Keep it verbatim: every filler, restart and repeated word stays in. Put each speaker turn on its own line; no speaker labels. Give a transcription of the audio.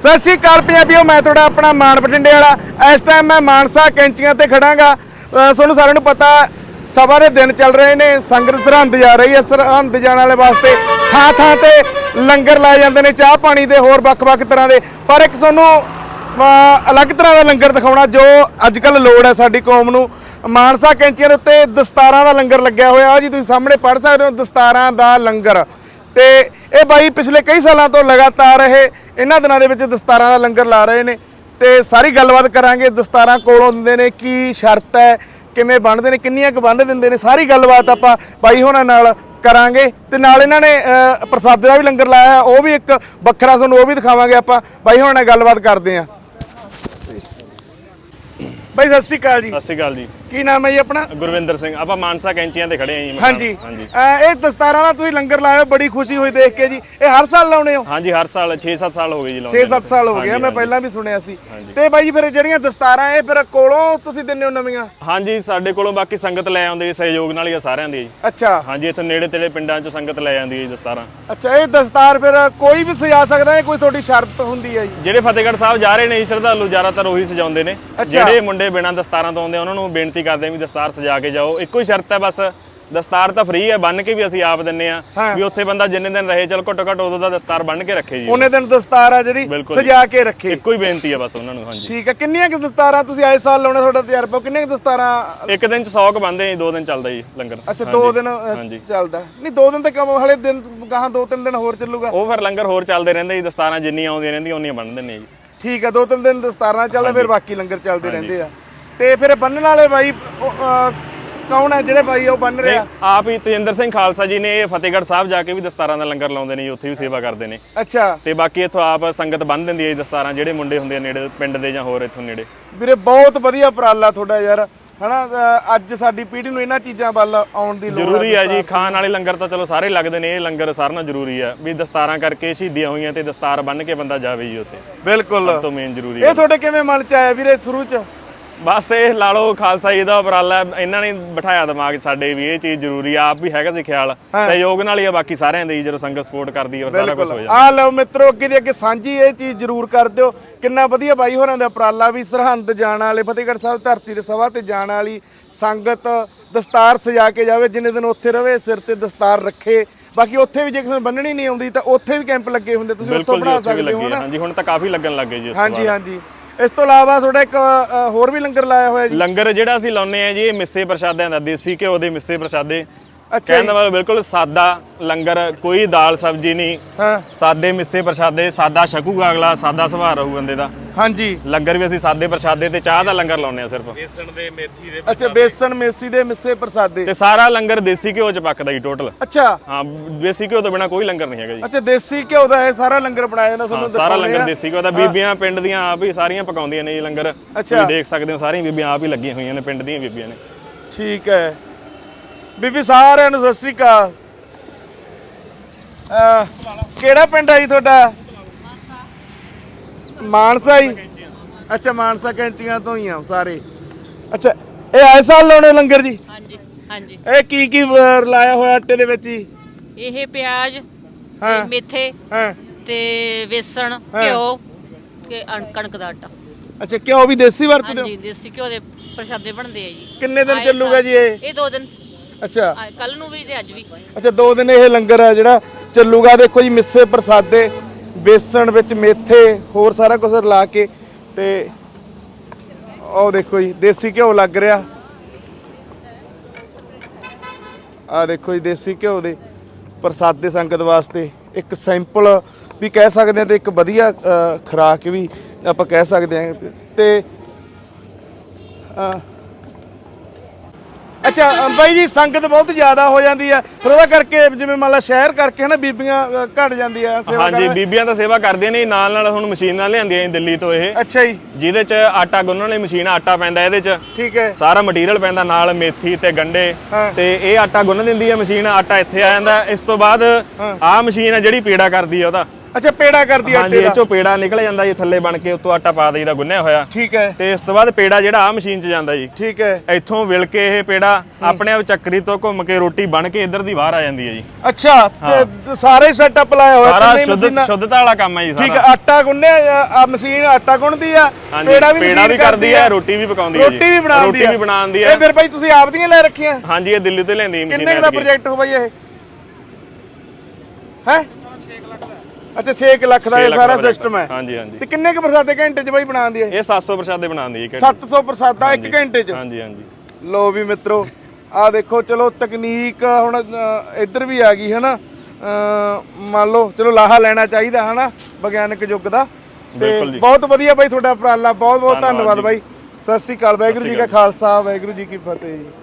ਸਤਿ ਸ਼੍ਰੀ ਅਕਾਲ ਪੰਜਾਬੀਓ, ਮੈਂ ਤੁਹਾਡਾ ਆਪਣਾ ਮਾਨ ਬਠਿੰਡੇ ਵਾਲਾ। ਇਸ ਟਾਈਮ ਮੈਂ ਮਾਨਸਾ ਕੈਂਚੀਆਂ ਤੇ ਖੜਾਂਗਾ। ਤੁਹਾਨੂੰ ਸਾਰਿਆਂ ਨੂੰ ਪਤਾ ਸਭਾ ਦੇ ਦਿਨ ਚੱਲ ਰਹੇ ਨੇ, ਸੰਗਤ ਸਰਹੰਦ ਜਾ ਰਹੀ ਹੈ। ਸਰਹੰਦ ਜਾਣ ਵਾਲੇ ਵਾਸਤੇ ਥਾਂ ਥਾਂ ਤੇ ਲੰਗਰ ਲਾਏ ਜਾਂਦੇ ਨੇ, ਚਾਹ ਪਾਣੀ ਦੇ ਹੋਰ ਵੱਖ-ਵੱਖ ਤਰ੍ਹਾਂ ਦੇ। ਪਰ ਇੱਕ ਤੁਹਾਨੂੰ ਅਲੱਗ ਤਰ੍ਹਾਂ ਦਾ ਲੰਗਰ ਦਿਖਾਉਣਾ ਜੋ ਅੱਜ ਕੱਲ੍ਹ ਲੋੜ ਹੈ ਸਾਡੀ ਕੌਮ ਨੂੰ। ਮਾਨਸਾ ਕੈਂਚੀਆਂ ਦੇ ਉੱਤੇ ਦਸਤਾਰਾਂ ਦਾ ਲੰਗਰ ਲੱਗਿਆ ਹੋਇਆ ਜੀ, ਤੁਸੀਂ ਸਾਹਮਣੇ ਪੜ੍ਹ ਸਕਦੇ ਹੋ, ਦਸਤਾਰਾਂ ਦਾ ਲੰਗਰ। ਤੇ ਇਹ ਬਾਈ ਪਿਛਲੇ ਕਈ ਸਾਲਾਂ ਤੋਂ ਲਗਾਤਾਰ ਇਹ ਇਹਨਾਂ ਦਿਨਾਂ ਦੇ ਵਿੱਚ ਦਸਤਾਰਾਂ ਦਾ ਲੰਗਰ ਲਾ ਰਹੇ ਨੇ ਤੇ ਸਾਰੀ ਗੱਲਬਾਤ ਕਰਾਂਗੇ। ਦਸਤਾਰਾਂ ਕੋਲੋਂ ਦਿੰਦੇ ਨੇ, ਕੀ ਸ਼ਰਤ ਹੈ, ਕਿਵੇਂ ਬਣਦੇ ਨੇ, ਕਿੰਨੀਆਂ ਕੁ ਬੰਨ ਦਿੰਦੇ ਨੇ, ਸਾਰੀ ਗੱਲਬਾਤ ਆਪਾਂ ਬਾਈ ਹੋਣਾ ਨਾਲ ਕਰਾਂਗੇ। ਤੇ ਨਾਲ ਇਹਨਾਂ ਨੇ ਪ੍ਰਸਾਦੇ ਦਾ ਵੀ ਲੰਗਰ ਲਾਇਆ, ਉਹ ਵੀ ਇੱਕ ਵੱਖਰਾ ਤੁਹਾਨੂੰ ਉਹ ਵੀ ਦਿਖਾਵਾਂਗੇ ਆਪਾਂ। ਬਾਈ ਹੋਣਾ ਨਾਲ ਗੱਲਬਾਤ ਕਰਦੇ ਆਂ। ਬਾਈ ਸਤਿ ਸ਼੍ਰੀ ਅਕਾਲ ਜੀ।
ਸਤਿ ਸ਼੍ਰੀ ਅਕਾਲ ਜੀ।
ਕੀ ਨਾਮ ਹੈ ਜੀ ਆਪਣਾ?
ਗੁਰਵਿੰਦਰ ਸਿੰਘ। ਆਪਾਂ ਮਾਨਸਾ ਕੈਂਚੀਆਂ ਤੇ ਖੜੇ ਆਂ ਜੀ।
ਹਾਂਜੀ ਹਾਂਜੀ। ਇਹ ਦਸਤਾਰਾਂ ਦਾ ਤੁਸੀਂ ਲੰਗਰ ਲਾਇਆ, ਬੜੀ ਖੁਸ਼ੀ ਹੋਈ ਦੇਖ ਕੇ ਜੀ। ਇਹ ਹਰ ਸਾਲ ਲਾਉਣੇ ਹੋ?
ਹਾਂਜੀ ਹਰ ਸਾਲ ਛੇ ਸੱਤ ਸਾਲ ਹੋ ਗਏ ਜੀ ਲਾਉਂਦੇ।
ਛੇ ਸੱਤ ਸਾਲ ਹੋ ਗਏ, ਮੈਂ ਪਹਿਲਾਂ ਵੀ ਸੁਣਿਆ ਸੀ। ਤੇ ਬਾਈ ਫਿਰ ਜਿਹੜੀਆਂ ਦਸਤਾਰਾਂ ਇਹ ਫਿਰ ਕੋਲੋਂ ਤੁਸੀਂ ਦਿੰਦੇ ਹੋ ਨਵੀਆਂ?
ਹਾਂਜੀ ਸਾਡੇ ਕੋਲੋਂ ਬਾਕੀ ਸੰਗਤ ਲੈ ਆਉਂਦੇ ਜੀ, ਸਹਿਯੋਗ ਨਾਲ ਹੀ ਆ ਸਾਰਿਆਂ ਦੀ ਜੀ।
ਅੱਛਾ।
ਹਾਂਜੀ ਇੱਥੇ ਨੇੜੇ ਤੇੜੇ ਪਿੰਡਾਂ ਚੋਂ ਸੰਗਤ ਲੈ ਆਉਂਦੀ ਹੈ ਜੀ ਦਸਤਾਰਾਂ।
ਅੱਛਾ, ਇਹ ਦਸਤਾਰ ਫਿਰ ਕੋਈ ਵੀ ਸਜਾ ਸਕਦਾ ਹੈ, ਕੋਈ ਤੁਹਾਡੀ ਸ਼ਰਤ ਹੁੰਦੀ ਹੈ ਜੀ?
ਜਿਹੜੇ ਫਤਿਹਗੜ੍ਹ ਸਾਹਿਬ ਜਾ ਰਹੇ ਨੇ ਜੀ ਸ਼ਰਧਾਲੂ ਜ਼ਿਆਦਾਤਰ ਉਹੀ ਸਜਾਉਂਦੇ ਨੇ। ਜਿਹੜੇ ਮੁੰਡੇ ਬਿਨਾਂ ਦਸਤਾਰਾਂ ਤੋਂ ਆਉਂਦੇ ਉਹਨਾਂ ਨੂੰ ਬੇਨਤੀ ਕਰਦੇ ਵੀ ਦਸਤਾਰ ਸਜਾ ਕੇ ਜਾਓ। ਇੱਕੋ ਹੀ ਸ਼ਰਤ ਹੈ ਬਸ, ਦਸਤਾਰ ਤਾਂ ਫ੍ਰੀ ਹੈ, ਬੰਨ ਕੇ ਵੀ ਅਸੀਂ ਆਪ ਦਿੰਨੇ ਆ ਵੀ ਉੱਥੇ ਬੰਦਾ ਜਿੰਨੇ ਦਿਨ ਰਹੇ ਚਲ ਘੱਟੋ ਘੱਟ ਉਦੋਂ ਦਾ ਦਸਤਾਰ ਬੰਨ ਕੇ ਰੱਖੇ ਜੀ, ਉਹਨੇ
ਦਿਨ ਦਸਤਾਰ ਆ ਜਿਹੜੀ ਸਜਾ ਕੇ ਰੱਖੇ।
ਇੱਕੋ ਹੀ ਬੇਨਤੀ ਹੈ ਬਸ ਉਹਨਾਂ ਨੂੰ। ਹਾਂਜੀ ਠੀਕ
ਹੈ। ਕਿੰਨੀਆਂ ਕਿ ਦਸਤਾਰਾਂ ਤੁਸੀਂ ਆਏ ਸਾਲ ਲਾਉਣਾ, ਤੁਹਾਡਾ ਤਜਰਬਾ? ਕਿੰਨੀਆਂ ਕਿ ਦਸਤਾਰਾਂ?
ਇੱਕ ਦਿਨ ਚ ਸੌ ਕ ਬੰਦੇ ਜੀ, ਦੋ ਦਿਨ ਚੱਲਦਾ ਜੀ ਲੰਗਰ।
ਅੱਛਾ ਦੋ ਦਿਨ ਚੱਲਦਾ? ਨਹੀਂ ਦੋ ਦਿਨ ਤੇ ਕੰਮ, ਹਲੇ ਦਿਨ ਗਾਹਾਂ ਦੋ ਤਿੰਨ ਦਿਨ ਹੋਰ ਚੱਲੂਗਾ?
ਉਹ ਫਿਰ ਲੰਗਰ ਹੋਰ ਚੱਲਦੇ ਰਹਿੰਦੇ ਜੀ, ਦਸਤਾਰਾਂ ਜਿੰਨੀਆਂ ਆਉਂਦੀਆਂ ਰਹਿੰਦੀਆਂ ਉਹਨੀਆਂ ਬੰਨ ਦਿੰਦੇ ਜੀ।
ਠੀਕ ਹੈ, ਦੋ ਤਿੰਨ ਦਿਨ ਦਸਤਾਰਾਂ ਚੱਲਦਾ, ਫਿਰ ਬਾਕੀ ਲੰਗਰ ਚੱਲਦੇ ਰਹਿੰਦੇ ਆ। ਤੇ ਫਿਰ ਬੰਨਣ ਵਾਲੇ ਬਾਈ ਕੌਣ ਹੈ ਜਿਹੜੇ ਬਾਈ ਉਹ ਬੰਨ ਰਿਹਾ?
ਆਪ ਹੀ ਤੇਜਿੰਦਰ ਸਿੰਘ ਖਾਲਸਾ ਜੀ ਨੇ। ਇਹ ਫਤਿਹਗੜ੍ਹ ਸਾਹਿਬ ਜਾ ਕੇ ਵੀ ਦਸਤਾਰਾਂ ਦਾ ਲੰਗਰ ਲਾਉਂਦੇ ਨੇ ਜੀ, ਉੱਥੇ ਵੀ ਸੇਵਾ ਕਰਦੇ ਨੇ।
ਅੱਛਾ।
ਤੇ ਬਾਕੀ ਇੱਥੋਂ ਆਪ ਸੰਗਤ ਬੰਨ ਦਿੰਦੀ ਹੈ ਜੀ ਦਸਤਾਰਾਂ, ਜਿਹੜੇ ਮੁੰਡੇ ਹੁੰਦੇ ਆ ਨੇੜੇ ਪਿੰਡ ਦੇ ਜਾਂ ਹੋਰ ਇੱਥੋਂ ਨੇੜੇ।
ਵੀਰੇ ਬਹੁਤ ਵਧੀਆ ਉਪਰਾਲਾ ਤੁਹਾਡਾ ਯਾਰ, ਹਨਾ। ਅੱਜ ਸਾਡੀ ਪੀੜ੍ਹੀ ਨੂੰ ਇਹਨਾਂ ਚੀਜ਼ਾਂ ਵੱਲ ਆਉਣ ਦੀ ਲੋੜ ਹੈ।
ਜ਼ਰੂਰੀ ਹੈ ਜੀ, ਖਾਣ ਵਾਲੇ ਲੰਗਰ ਤਾਂ ਚਲੋ ਸਾਰੇ ਲੱਗਦੇ ਨੇ, ਇਹ ਲੰਗਰ ਸਾਰਿਆਂ ਨਾਲ ਜ਼ਰੂਰੀ ਹੈ ਵੀ ਦਸਤਾਰਾਂ ਕਰਕੇ ਸ਼ਹੀਦੀਆਂ ਹੋਈਆਂ ਤੇ ਦਸਤਾਰ ਬੰਨ ਕੇ ਬੰਦਾ ਜਾਵੇ ਜੀ ਉੱਥੇ।
ਬਿਲਕੁਲ
ਸਭ ਤੋਂ ਮੇਨ ਜ਼ਰੂਰੀ ਹੈ।
ਇਹ ਤੁਹਾਡੇ ਕਿਵੇਂ ਮਨ ਚ ਆਇਆ ਵੀਰੇ ਸ਼ੁਰੂ ਚ?
ਬਸ ਇਹ ਲਾ ਲਓ ਖਾਲਸਾ ਜੀ ਦਾ ਉਪਰਾਲਾ, ਇਹਨਾਂ ਨੇ ਬਿਠਾਇਆ ਦਿਮਾਗ ਸਾਡੇ ਵੀ ਇਹ ਚੀਜ਼ ਜ਼ਰੂਰੀ ਆ। ਆਪ ਵੀ ਹੈਗਾ ਸੀ ਖਿਆਲ, ਸਹਿਯੋਗ ਨਾਲ ਹੀ ਆ ਬਾਕੀ ਸਾਰਿਆਂ ਦੇ, ਜਦੋਂ ਸੰਗਤ ਸਪੋਰਟ ਕਰਦੀ ਹੈ ਸਾਰਾ ਕੁਝ ਹੋ ਜਾਂਦਾ।
ਆ ਲਓ ਮਿੱਤਰੋ, ਅੱਗੇ ਦੀ ਅੱਗੇ ਸਾਂਝੀ ਇਹ ਚੀਜ਼ ਜ਼ਰੂਰ ਕਰ ਦਿਓ। ਕਿੰਨਾ ਵਧੀਆ ਬਾਈ ਹੋਰਾਂ ਦਾ ਉਪਰਾਲਾ ਵੀ, ਸਰਹੰਦ ਜਾਣ ਵਾਲੇ, ਫਤਿਹਗੜ੍ਹ ਸਾਹਿਬ ਧਰਤੀ ਦੇ ਸਭਾ ਤੇ ਜਾਣ ਵਾਲੀ ਸੰਗਤ ਦਸਤਾਰ ਸਜਾ ਕੇ ਜਾਵੇ, ਜਿੰਨੇ ਦਿਨ ਉੱਥੇ ਰਵੇ ਸਿਰ ਤੇ ਦਸਤਾਰ ਰੱਖੇ। ਬਾਕੀ ਉੱਥੇ ਵੀ ਜੇ ਕਿਸੇ ਨੂੰ ਬੰਨਣੀ ਨਹੀਂ ਆਉਂਦੀ ਤਾਂ ਉੱਥੇ ਵੀ ਕੈਂਪ ਲੱਗੇ ਹੁੰਦੇ, ਤੁਸੀਂ ਉੱਥੋਂ ਬਣਾ ਸਕਦੇ ਹੋ ਨਾ।
ਹਾਂਜੀ ਹੁਣ ਤਾਂ ਕਾਫੀ ਲੱਗਣ ਲੱਗੇ ਜੀ।
ਹਾਂਜੀ ਹਾਂਜੀ। ਇਸ ਤੋਂ ਇਲਾਵਾ ਤੁਹਾਡਾ ਇੱਕ ਹੋਰ ਵੀ ਲੰਗਰ ਲਾਇਆ ਹੋਇਆ ਜੀ?
ਲੰਗਰ ਜਿਹੜਾ ਅਸੀਂ ਲਾਉਂਦੇ ਆ ਜੀ, ਇਹ ਮਿੱਸੇ ਪ੍ਰਸ਼ਾਦਿਆਂ ਦਾ, ਦੇਸੀ ਘਿਓ ਦੇ ਮਿੱਸੇ ਪ੍ਰਸ਼ਾਦੇ। ਕਹਿਣ ਦਾ ਮਤਲਬ ਬਿਲਕੁਲ ਸਾਦਾ ਲੰਗਰ, ਕੋਈ ਦਾਲ ਸਬਜ਼ੀ ਨਹੀਂ। ਹਾਂ, ਸਾਦੇ ਮਿੱਸੇ ਪ੍ਰਸ਼ਾਦੇ, ਸਾਦਾ ਛਕੂਗਾ ਅਗਲਾ, ਸਾਦਾ ਸੁਭਾਅ ਰਹੂ ਬੰਦੇ ਦਾ। ਹਾਂਜੀ। ਲੰਗਰ ਵੀ ਅਸੀਂ ਸਾਦੇ ਪ੍ਰਸ਼ਾਦੇ ਤੇ ਚਾਹ ਦਾ ਲੰਗਰ ਲਾਉਂਦੇ ਆ ਸਿਰਫ।
ਬੇਸਣ ਦੇ ਮੇਥੀ ਦੇ। ਅੱਛਾ, ਬੇਸਣ ਮੇਥੀ ਦੇ ਮਿੱਸੇ ਪ੍ਰਸ਼ਾਦੇ
ਤੇ ਸਾਰਾ ਲੰਗਰ ਦੇਸੀ ਘਿਓ ਚ ਪੱਕਦਾ ਜੀ ਟੋਟਲ।
ਅੱਛਾ।
ਹਾਂ, ਦੇਸੀ ਘਿਓ ਤੋਂ ਬਿਨਾ ਕੋਈ ਲੰਗਰ ਨਹੀਂ ਹੈਗਾ ਜੀ।
ਅੱਛਾ, ਦੇਸੀ ਘਿਓ ਦਾ ਇਹ ਸਾਰਾ ਲੰਗਰ ਬਣਾਇਆ ਜਾਂਦਾ ਤੁਹਾਨੂੰ?
ਸਾਰਾ ਲੰਗਰ ਦੇਸੀ ਘਿਓ ਦਾ, ਬੀਬੀਆਂ ਪਿੰਡ ਦੀਆਂ ਆਪ ਹੀ ਸਾਰੀਆਂ ਪਕਾਉਂਦੀਆਂ ਨੇ ਜੀ ਲੰਗਰ। ਤੁਸੀਂ ਦੇਖ ਸਕਦੇ ਹੋ ਸਾਰੀਆਂ ਬੀਬੀਆਂ ਆਪ ਹੀ ਲੱਗੀਆਂ ਹੋਈਆਂ ਨੇ, ਪਿੰਡ ਦੀਆਂ ਬੀਬੀਆਂ ਨੇ। ਠੀਕ ਹੈ
ਬੀਬੀ, ਸਾਰਿਆਂ ਨੂੰ ਸਤਿ ਸ੍ਰੀ ਅਕਾਲ। ਕਿਹੜਾ ਪਿੰਡ ਹੈ ਜੀ ਤੁਹਾਡਾ? ਮਾਨਸਾ ਹੀ? ਅੱਛਾ, ਮਾਨਸਾ ਕੈਂਚੀਆਂ ਤੋਂ ਹੀ ਆ ਸਾਰੇ। ਅੱਛਾ, ਇਹ ਆਏ ਸਾਲ ਲਾਉਣੇ ਲੰਗਰ ਜੀ?
ਹਾਂਜੀ ਹਾਂਜੀ।
ਇਹ ਕੀ ਕੀ ਲਾਇਆ ਹੋਇਆ ਆਟੇ ਦੇ ਵਿੱਚ ਜੀ?
ਇਹ ਪਿਆਜ਼ ਤੇ ਮੇਥੇ ਤੇ ਵੇਸਣ, ਘਿਓ ਤੇ ਕਣਕ ਦਾ ਆਟਾ।
ਅੱਛਾ, ਘਿਓ ਵੀ ਦੇਸੀ ਵਰਤਦੇ ਹੋ?
ਹਾਂਜੀ, ਦੇਸੀ ਘਿਓ ਦੇ ਪ੍ਰਸ਼ਾਦੇ ਬਣਦੇ ਆ ਜੀ।
ਕਿੰਨੇ ਦਿਨ ਚੱਲੂਗਾ ਜੀ ਇਹ?
ਇਹ ਦੋ ਦਿਨ।
ਅੱਛਾ,
ਕੱਲ ਨੂੰ ਵੀ ਤੇ ਅੱਜ ਵੀ।
ਅੱਛਾ, ਦੋ ਦਿਨ ਇਹ ਲੰਗਰ ਆ ਜਿਹੜਾ ਚੱਲੂਗਾ। ਦੇਖੋ ਜੀ, ਮਿੱਸੇ ਪ੍ਰਸਾਦੇ, ਬੇਸਣ ਵਿੱਚ ਮੇਥੇ, ਹੋਰ ਸਾਰਾ ਕੁਝ ਲਾ ਕੇ। ਤੇ ਉਹ ਦੇਖੋ ਜੀ, ਦੇਸੀ ਘਿਓ ਲੱਗ ਰਿਹਾ। ਆ ਦੇਖੋ ਜੀ, ਦੇਸੀ ਘਿਓ ਦੇ ਪ੍ਰਸਾਦੇ ਸੰਗਤ ਵਾਸਤੇ, ਇੱਕ ਸਿੰਪਲ ਵੀ ਕਹਿ ਸਕਦੇ ਹਾਂ ਤੇ ਇੱਕ ਵਧੀਆ ਖੁਰਾਕ ਵੀ ਆਪਾਂ ਕਹਿ ਸਕਦੇ ਹਾਂ। ਤੇ ਅੱਛਾ ਬਾਈ ਜੀ, ਸੰਗਤ ਬਹੁਤ ਜ਼ਿਆਦਾ ਹੋ ਜਾਂਦੀ ਹੈ, ਫਿਰ ਉਹਦਾ ਕਰਕੇ ਜਿਵੇਂ ਮੰਨ ਲਾ ਸ਼ਹਿਰ ਕਰਕੇ ਹਨਾ ਬੀਬੀਆਂ ਘਟ ਜਾਂਦੀ ਆ ਸੇਵਾ?
ਹਾਂਜੀ, ਬੀਬੀਆਂ ਤਾਂ ਸੇਵਾ ਕਰਦੀਆਂ ਨੇ ਨਾਲ ਨਾਲ। ਹੁਣ ਮਸ਼ੀਨਾਂ ਲਿਆਂਦੀਆਂ ਦਿੱਲੀ ਤੋਂ ਇਹ।
ਅੱਛਾ ਜੀ। ਜਿਹਦੇ
ਚ ਆਟਾ ਗੁੰਨਣ ਵਾਲੀ ਮਸ਼ੀਨ, ਆਟਾ ਪੈਂਦਾ ਇਹਦੇ ਚ।
ਠੀਕ ਹੈ।
ਸਾਰਾ ਮਟੀਰੀਅਲ ਪੈਂਦਾ, ਨਾਲ ਮੇਥੀ ਤੇ ਗੰਡੇ, ਤੇ ਇਹ ਆਟਾ ਗੁੰਨ ਦਿੰਦੀ ਹੈ ਮਸ਼ੀਨ। ਆਟਾ ਇੱਥੇ ਆ ਜਾਂਦਾ। ਇਸ ਤੋਂ ਬਾਅਦ ਆਹ ਮਸ਼ੀਨ ਹੈ ਜਿਹੜੀ ਪੀੜਾ ਕਰਦੀ ਹੈ ਉਹਦਾ।
ਅੱਛਾ ਪੇੜਾ ਕਰਦੀ
ਹਾਂਜੀ
ਆਟੇ
ਇਹ
ਦਾ
ਚੋਂ ਪੇੜਾ ਨਿਕਲ ਜਾਂਦਾ ਜੀ ਥੱਲੇ ਬਣ ਕੇ ਉੱਤੋਂ ਆਟਾ ਪਾ ਦੇਈਦਾ ਗੁੰਨਿਆ ਹੋਇਆ
ਠੀਕ ਹੈ
ਤੇ ਇਸ ਤੋਂ ਬਾਅਦ ਪੇੜਾ ਜਿਹੜਾ ਆ ਮਸ਼ੀਨ 'ਚ ਜਾਂਦਾ ਜੀ
ਠੀਕ ਹੈ
ਇੱਥੋਂ ਵਿਲ ਕੇ ਇਹ ਪੇੜਾ ਆਪਣੇ ਆਪ ਚੱਕਰੀ ਤੋਂ ਘੁੰਮ ਕੇ ਰੋਟੀ ਬਣ ਕੇ ਇੱਧਰ ਦੀ ਬਾਹਰ ਆ ਜਾਂਦੀ ਹੈ ਜੀ
ਅੱਛਾ ਤੇ ਸਾਰੇ ਸੈਟਅਪ ਲਾਇਆ ਹੋਇਆ
ਸਾਰਾ
ਤਿੰਨੇ
ਸ਼ੁੱਧ
ਮਸ਼ੀਨਾਂ।
ਸ਼ੁੱਧਤਾ ਵਾਲਾ ਕੰਮ ਹੈ ਜੀ
ਠੀਕ
ਸਾਰਾ
ਹੈ ਆਟਾ ਗੁੰਨਿਆ ਆ ਮਸ਼ੀਨ ਆਟਾ ਗੁੰਨਦੀ ਆ
ਹਾਂਜੀ
ਪੇੜਾ ਵੀ
ਪੇੜਾ
ਮਸ਼ੀਨ
ਵੀ ਕਰਦੀ ਹੈ ਰੋਟੀ ਵੀ ਪਕਾਉਂਦੀ ਹੈ ਜੀ
ਰੋਟੀ ਵੀ ਬਣਾਉਂਦੀ
ਰੋਟੀ ਵੀ ਬਣਾਉਂਦੀ
ਇਹ
ਹੈ
ਫਿਰ ਬਾਈ ਤੁਸੀਂ ਆਪ ਦੀਆਂ ਲੈ ਰੱਖੀਆਂ
ਹਾਂਜੀ ਇਹ ਦਿੱਲੀ ਤੋਂ ਲੈਂਦੀ ਮਸ਼ੀਨ
ਕਿੰਨੇ ਕੁ ਦਾ ਪ੍ਰੋਜੈਕਟ ਹੋ ਬਾਈ ਇਹ ਹੈ ਅੱਛਾ ਛੇ ਕੁ ਲੱਖ ਦਾ ਇਹ ਸਾਰਾ ਸਿਸਟਮ ਹੈ
ਹਾਂਜੀ ਹਾਂਜੀ
ਤੇ ਕਿੰਨੇ ਕੁ ਪ੍ਰਸਾਦੇ ਘੰਟੇ ਚ ਬਾਈ ਬਣਾਉਂਦੀ ਹੈ
ਇਹ ਸੱਤ ਸੌ ਪ੍ਰਸ਼ਾਦੇ ਬਣਾਉਂਦੀ ਹੈ
ਸੱਤ ਸੌ ਪ੍ਰਸਾਦਾ ਇੱਕ ਘੰਟੇ ਚ
ਹਾਂਜੀ ਹਾਂਜੀ
ਲੋ ਵੀ ਮਿੱਤਰੋ ਆ ਦੇਖੋ ਚਲੋ ਤਕਨੀਕ ਹੁਣ ਅ, ਇੱਧਰ ਵੀ ਆ ਗਈ ਹਨਾ ਅ, ਮੰਨ ਲਓ ਚਲੋ ਲਾਹਾ ਲੈਣਾ ਚਾਹੀਦਾ ਹਨਾ ਵਿਗਿਆਨਕ ਯੁੱਗ ਦਾ ਤੇ
ਬਿਲਕੁਲ ਜੀ।
ਬਹੁਤ ਵਧੀਆ ਬਾਈ ਤੁਹਾਡਾ ਉਪਰਾਲਾ ਬਹੁਤ ਬਹੁਤ
ਧੰਨਵਾਦ
ਧੰਨਵਾਦ
ਜੀ।
ਬਾਈ ਸਤਿ ਸ੍ਰੀ ਅਕਾਲ ਵਾਹਿਗੁਰੂ ਜੀ ਕਾ ਖਾਲਸਾ ਵਾਹਿਗੁਰੂ ਜੀ ਕੀ ਫਤਿਹ ਜੀ